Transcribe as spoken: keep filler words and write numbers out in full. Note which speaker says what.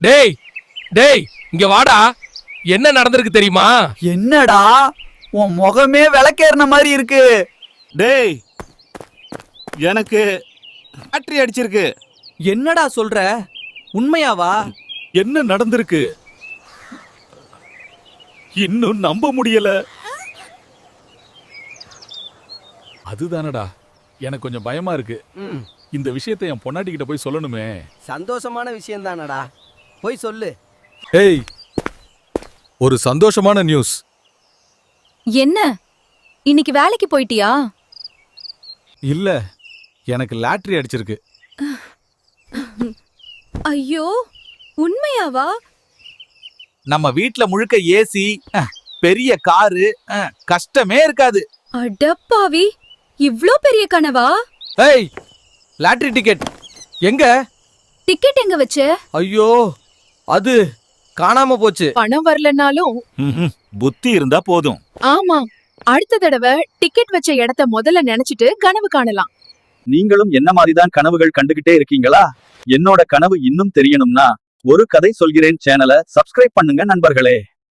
Speaker 1: டேய் டேய் இங்க வாடா. என்ன நடந்திருக்கு தெரியுமா?
Speaker 2: என்னடா உன் முகமே விளக்கேறின மாதிரி இருக்கு.
Speaker 3: டேய் எனக்கு பேட்டரி அடிச்சிருக்கு.
Speaker 2: என்னடா சொல்ற? உண்மையாவா?
Speaker 3: என்ன நடந்திருக்கு? இன்னும் நம்ப முடியல.
Speaker 4: அதுதானடா எனக்கு கொஞ்சம் பயமா இருக்கு. இந்த விஷயத்தை என் பொண்டாட்டி கிட்ட போய் சொல்லணுமே.
Speaker 5: சந்தோஷமான விஷயம் தானடா, போய் சொல்லு.
Speaker 4: ஏய், ஒரு சந்தோஷமான நியூஸ்.
Speaker 6: என்ன, இன்னைக்கு வேலைக்கு போயிட்டியா?
Speaker 4: இல்ல, எனக்கு லாட்டரி அடிச்சிருக்கு.
Speaker 6: ஐயோ, உண்மையாவா?
Speaker 7: நம்ம வீட்ல முழுக்க ஏசி, பெரிய காரு, கஷ்டமே இருக்காது.
Speaker 6: அடப்பாவி, இவ்ளோ பெரிய கனவா?
Speaker 2: ஏய், லாட்டரி டிக்கெட் எங்க?
Speaker 6: டிக்கெட் எங்க வச்ச?
Speaker 2: ஐயோ, அது காணாம போச்சு.
Speaker 6: பணம் வரலனாலும்
Speaker 3: புத்தி இருந்தா போதும்.
Speaker 6: ஆமா, அடுத்த தடவை டிக்கெட் வச்ச இடத்த முதல்ல நினைச்சிட்டு கனவு காணலாம்.
Speaker 7: நீங்களும் என்ன மாதிரிதான் கனவுகள் கண்டுகிட்டே இருக்கீங்களா? என்னோட கனவு இன்னும் தெரியணும்னா ஒரு கதை சொல்கிறேன் சேனலை சப்ஸ்கிரைப் பண்ணுங்க நண்பர்களே.